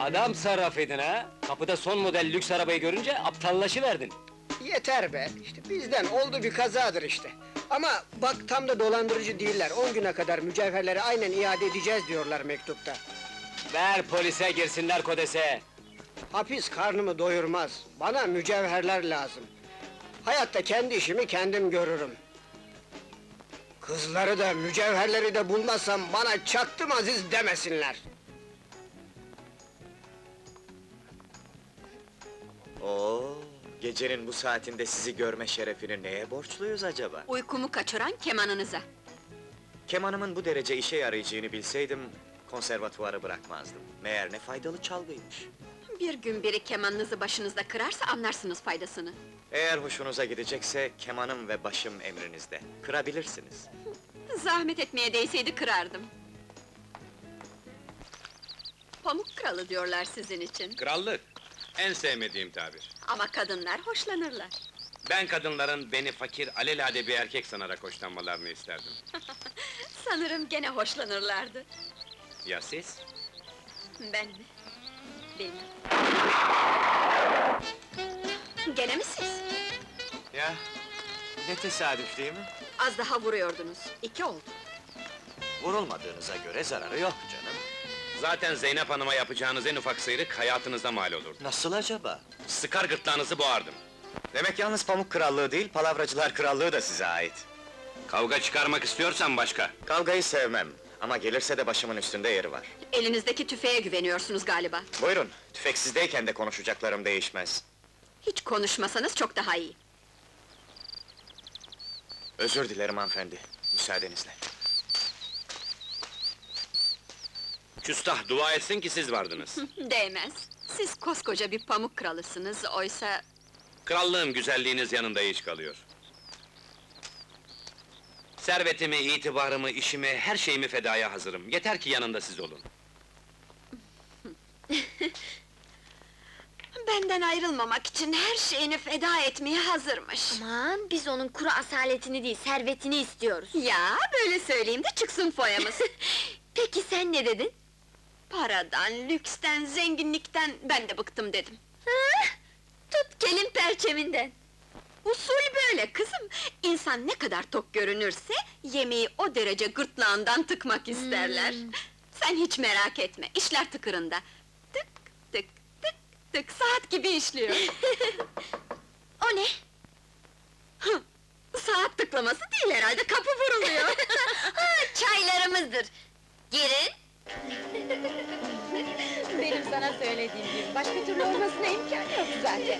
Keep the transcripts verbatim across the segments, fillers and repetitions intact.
Adam sarrafıydın ha! Kapıda son model lüks arabayı görünce aptallaşıverdin. Yeter be! İşte bizden oldu bir kazadır işte. Ama bak tam da dolandırıcı değiller. On güne kadar mücevherleri aynen iade edeceğiz diyorlar mektupta. Ver polise girsinler kodese! Hapis karnımı doyurmaz. Bana mücevherler lazım. Hayatta kendi işimi kendim görürüm. Kızları da mücevherleri de bulmazsam bana çaktım Aziz demesinler. Oo, gecenin bu saatinde sizi görme şerefini neye borçluyuz acaba? Uykumu kaçıran kemanınıza. Kemanımın bu derece işe yarayacağını bilseydim, konservatuvarı bırakmazdım. Meğer ne faydalı çalgıymış. Bir gün biri kemanınızı başınızda kırarsa anlarsınız faydasını. Eğer hoşunuza gidecekse, kemanım ve başım emrinizde. Kırabilirsiniz. Zahmet etmeye değseydi kırardım. Pamuk kralı diyorlar sizin için. Krallık, en sevmediğim tabir. Ama kadınlar hoşlanırlar. Ben kadınların beni fakir, alelade bir erkek sanarak hoşlanmalarını isterdim. Sanırım gene hoşlanırlardı. Ya siz? Ben mi? Benim. Gene mi siz? Ya, ne tesadüf değil mi? Az daha vuruyordunuz. İki oldu. Vurulmadığınıza göre zararı yok canım. Zaten Zeynep Hanım'a yapacağınız en ufak sıyrık hayatınızda mal olurdu. Nasıl acaba? Sıkar gırtlağınızı boğardım. Demek yalnız Pamuk Krallığı değil, Palavracılar Krallığı da size ait. Kavga çıkarmak istiyorsan başka. Kavgayı sevmem, ama gelirse de başımın üstünde yeri var. Elinizdeki tüfeğe güveniyorsunuz galiba. Buyurun, tüfeksizdeyken de konuşacaklarım değişmez. Hiç konuşmasanız çok daha iyi. Özür dilerim hanımefendi, müsaadenizle. Küstah dua etsin ki siz vardınız. Değmez. Siz koskoca bir pamuk kralısınız, oysa... Krallığım güzelliğiniz yanında hiç kalıyor. Servetimi, itibarımı, işimi, her şeyimi fedaya hazırım. Yeter ki yanında siz olun. Benden ayrılmamak için her şeyini feda etmeye hazırmış. Aman, biz onun kuru asaletini değil, servetini istiyoruz. Ya, böyle söyleyeyim de çıksın foyamız. Peki sen ne dedin? Paradan, lüksten, zenginlikten ben de bıktım dedim. Ha? Tut kelin perçeminden! Usul böyle kızım! İnsan ne kadar tok görünürse, yemeği o derece gırtlağından tıkmak isterler. Hmm. Sen hiç merak etme, işler tıkırında. Tık tık tık tık, saat gibi işliyor. O ne? Hı, saat tıklaması değil herhalde, kapı vuruluyor. Ha, çaylarımızdır! Girin! Benim sana söylediğim gibi, başka türlü olmasına imkan yok zaten.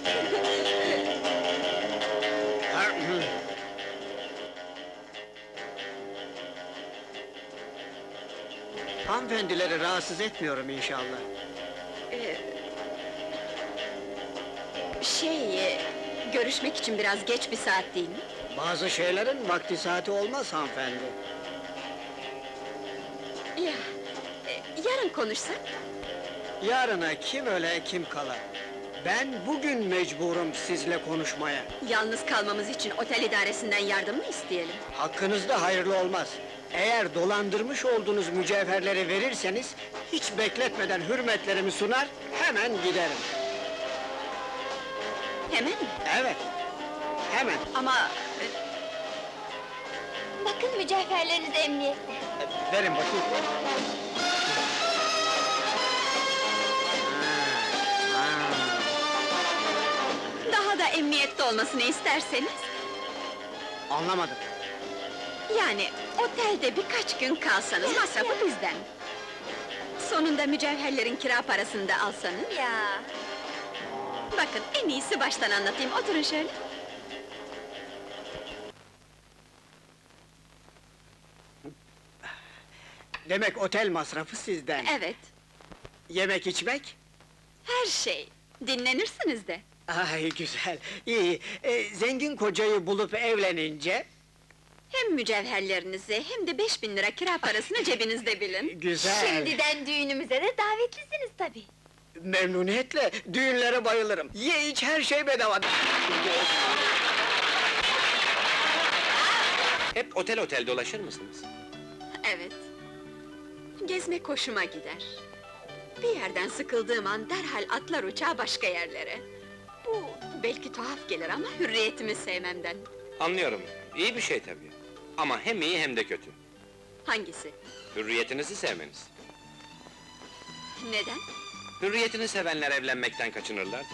Hanımefendileri rahatsız etmiyorum inşallah. Ee, şey, e, görüşmek için biraz geç bir saat değil mi? Bazı şeylerin vakti saati olmaz hanımefendi. Ya, e, yarın konuşsak? Yarına kim öle kim kala. Ben bugün mecburum sizle konuşmaya. Yalnız kalmamız için otel idaresinden yardım mı isteyelim? Hakkınızda hayırlı olmaz. Eğer dolandırmış olduğunuz mücevherleri verirseniz, hiç bekletmeden hürmetlerimi sunar, hemen giderim. Hemen mi? Evet, hemen. Ama... e, Bakın mücevherleriniz emniyette. Verin bakayım. Ha, ha. daha da emniyette olmasını isterseniz... Anlamadım. Yani, otelde birkaç gün kalsanız, masrafı bizden. Sonunda mücevherlerin kira parasını da alsanız... Ya! Bakın, en iyisi baştan anlatayım, oturun şöyle. Demek otel masrafı sizden. Evet, Yemek içmek? her şey. Dinlenirsiniz de. Ay güzel, iyi. Ee, zengin kocayı bulup evlenince... Hem mücevherlerinizi, hem de beş bin lira kira parasını cebinizde bilin. Güzel. Şimdiden düğünümüze de davetlisiniz tabii. Memnuniyetle, düğünlere bayılırım. Ye iç, her şey bedava. Hep otel otel dolaşır mısınız? Evet. Gezmek hoşuma gider. Bir yerden sıkıldığım an derhal atlar uçağa başka yerlere. Bu belki tuhaf gelir ama hürriyetimi sevmemden. Anlıyorum, iyi bir şey tabii. Ama hem iyi hem de kötü. Hangisi? Hürriyetinizi sevmeniz. Neden? Hürriyetini sevenler evlenmekten kaçınırlar da.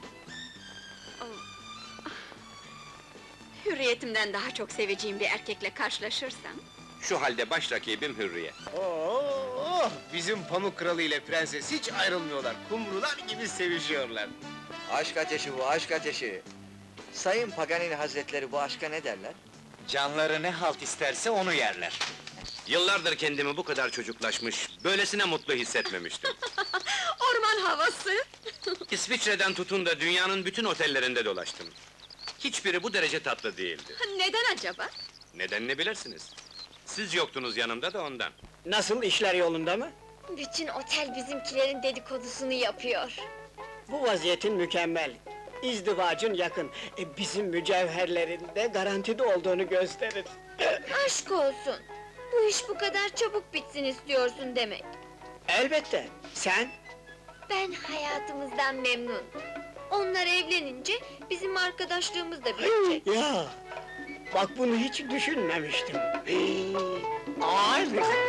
Hürriyetimden daha çok seveceğim bir erkekle karşılaşırsam... Şu halde baş rakibim Hürriyet. Oo, bizim Pamuk Kralı ile Prenses hiç ayrılmıyorlar. Kumrular gibi sevişiyorlar. Aşk ateşi bu, aşk ateşi. Sayın Paganini Hazretleri bu aşka ne derler? Canları ne halt isterse onu yerler. Yıllardır kendimi bu kadar çocuklaşmış, böylesine mutlu hissetmemiştim. Orman havası! İsviçre'den tutun da dünyanın bütün otellerinde dolaştım. Hiçbiri bu derece tatlı değildi. Neden acaba? Nedenini bilirsiniz. Siz yoktunuz yanımda da ondan. Nasıl, işler yolunda mı? Bütün otel bizimkilerin dedikodusunu yapıyor. Bu vaziyetin mükemmel. İzdivacın yakın. E, bizim mücevherlerin de garantide olduğunu gösterir. Aşk olsun! Bu iş bu kadar çabuk bitsin istiyorsun demek. Elbette. Sen? Ben hayatımızdan memnun. Onlar evlenince bizim arkadaşlığımız da bitecek. Ya! Bak bunu hiç düşünmemiştim. Ay!